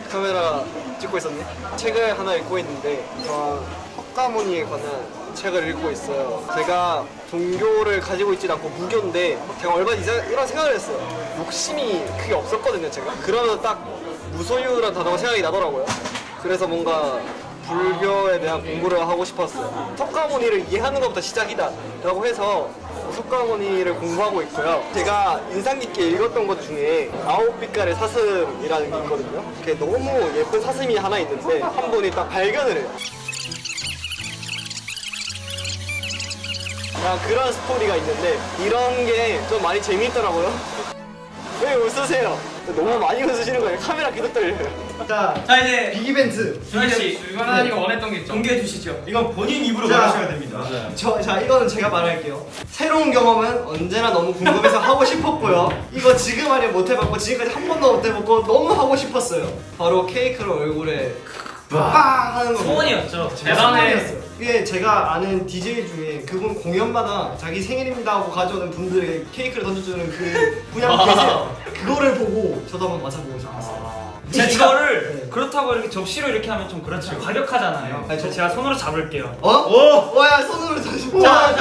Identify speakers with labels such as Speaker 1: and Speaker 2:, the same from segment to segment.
Speaker 1: 카메라 찍고 있었네. 책을 하나 읽고 있는데 석가모니에 관한 책을 읽고 있어요. 제가 종교를 가지고 있진 않고 무교인데 제가 얼마 이런 생각을 했어요. 욕심이 크게 없었거든요, 제가. 그러면 딱 무소유란 단어가 생각이 나더라고요. 그래서 뭔가 불교에 대한 공부를 하고 싶었어요. 석가모니를 이해하는 것부터 시작이다 라고 해서 석가모니를 공부하고 있고요. 제가 인상 깊게 읽었던 것 중에 아홉 빛깔의 사슴이라는 게 있거든요. 그게 너무 예쁜 사슴이 하나 있는데 한 분이 딱 발견을 해요. 그런 스토리가 있는데 이런 게 좀 많이 재미있더라고요. 왜 웃으세요? 너무 많이 웃으시는 거예요. 카메라 계속 떨려요.
Speaker 2: 자
Speaker 3: 이제
Speaker 2: 빅 이벤트.
Speaker 3: 준하 씨,
Speaker 4: 유관환이가 원했던 게 있죠.
Speaker 3: 공개해 주시죠.
Speaker 2: 이건 본인 입으로 말하셔야 됩니다.
Speaker 1: 자, 이거는 제가 말할게요. 새로운 경험은 언제나 너무 궁금해서 하고 싶었고요. 이거 지금 아니면 못 해봤고 지금까지 한 번도 못 해봤고 너무 하고 싶었어요. 바로 케이크를 얼굴에 빵 하는 거.
Speaker 3: 소원이었죠.
Speaker 1: 대단했어요. 이게 제가 아는 DJ 중에 그분 공연마다 자기 생일입니다 하고 가져오는 분들에게 케이크를 던져주는 그 분이 한 분 계세요. 그거를 보고 저도 한번 맞아보고 싶었어요.
Speaker 3: 이거를
Speaker 1: 네.
Speaker 3: 그렇다고 이렇게 접시로 이렇게 하면 좀 그렇죠. 과격하잖아요.
Speaker 1: 네.
Speaker 3: 제가 손으로 잡을게요.
Speaker 1: 어? 오! 와야 손으로 잡으시고.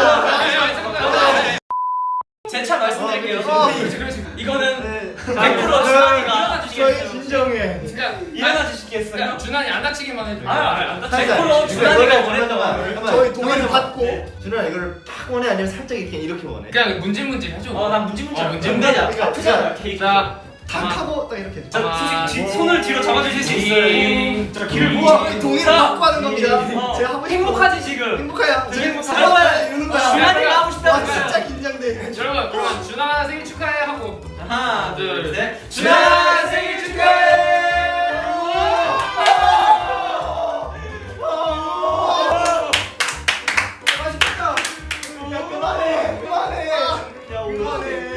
Speaker 3: 제 차 말씀드릴게요.
Speaker 4: 그렇지.
Speaker 3: 이거는
Speaker 1: 네.
Speaker 3: 100% 준하이가
Speaker 2: 저희 진정해.
Speaker 3: 일어나 주시겠어요?
Speaker 4: 그냥 준환이 안 다치기만 해줘.
Speaker 3: 안 다쳐. 100% 준하이가 원했던 거.
Speaker 1: 저희 동의를 받고.
Speaker 2: 준아 이거를 팍 원해 아니면 살짝 이렇게 원해?
Speaker 4: 그냥 문질문질 해줘.
Speaker 3: 난 문지문지
Speaker 4: 문질문질.
Speaker 3: 아프잖아 케이크.
Speaker 4: 자,
Speaker 1: 탁 하고 딱 이렇게.
Speaker 3: 자, 솔직히 손을 뒤로 잡아주실 수 있어요.
Speaker 2: 자 길을
Speaker 1: 우와, 동의를 받고 하는 겁니다.
Speaker 3: 어,
Speaker 1: 제가 하고 싶은
Speaker 3: 행복하지 지금.
Speaker 1: 행복해요.
Speaker 3: 되게 행복해요.
Speaker 1: 잠깐만 이러는 거야.
Speaker 3: 준하이가 하고
Speaker 1: 와
Speaker 3: 싶다는
Speaker 1: 진짜
Speaker 3: 거야.
Speaker 1: 긴장돼.
Speaker 4: 여러분 그러면 준환 생일 축하해 하고
Speaker 3: 하나, 둘, 셋.
Speaker 4: 준환 생일 축하해.
Speaker 1: 맛있겠다. 야 그만해. 그만해.
Speaker 2: 야 오만해.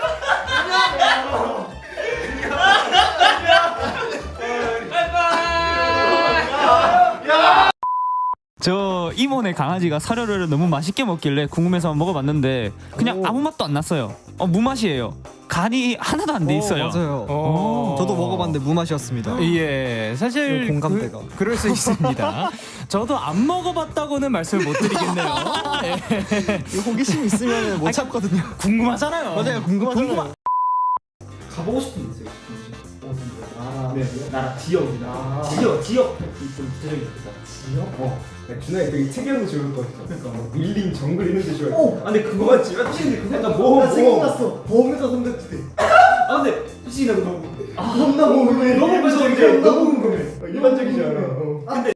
Speaker 5: 저 이모네 강아지가 사료를 너무 맛있게 먹길래 궁금해서 먹어봤는데 그냥 아무 맛도 안 났어요. 무맛이에요. 간이 하나도 안 돼 있어요.
Speaker 6: 맞아요. 저도 먹어봤는데 무맛이었습니다.
Speaker 5: 예, 사실
Speaker 6: 공감대가.
Speaker 5: 그럴 수 있습니다. 저도 안 먹어봤다고는 말씀을 못 드리겠네요. 예.
Speaker 6: 이 호기심 있으면 못 참거든요.
Speaker 5: 궁금하잖아요.
Speaker 6: 맞아요, 궁금하잖아요.
Speaker 2: 가보고 싶은 데 있어요. 나라 지역이나 지역 좀 구체적인 데 있다. 지역?
Speaker 7: 준하이 되게 특이한 거 좋을 것 같아. 그러니까 뭐 밀림 정글 이런 데 좋아해.
Speaker 2: 근데 그거만 지면 솔직히 그거
Speaker 7: 약간 나
Speaker 2: 생각났어.
Speaker 7: 보험에서 선택지대.
Speaker 2: 근데 솔직히 나 너무
Speaker 7: 너무 궁금해.
Speaker 2: 너무
Speaker 7: 일반적이야.
Speaker 2: 무서운데.
Speaker 7: 너무 궁금해. 일반적이지 않아.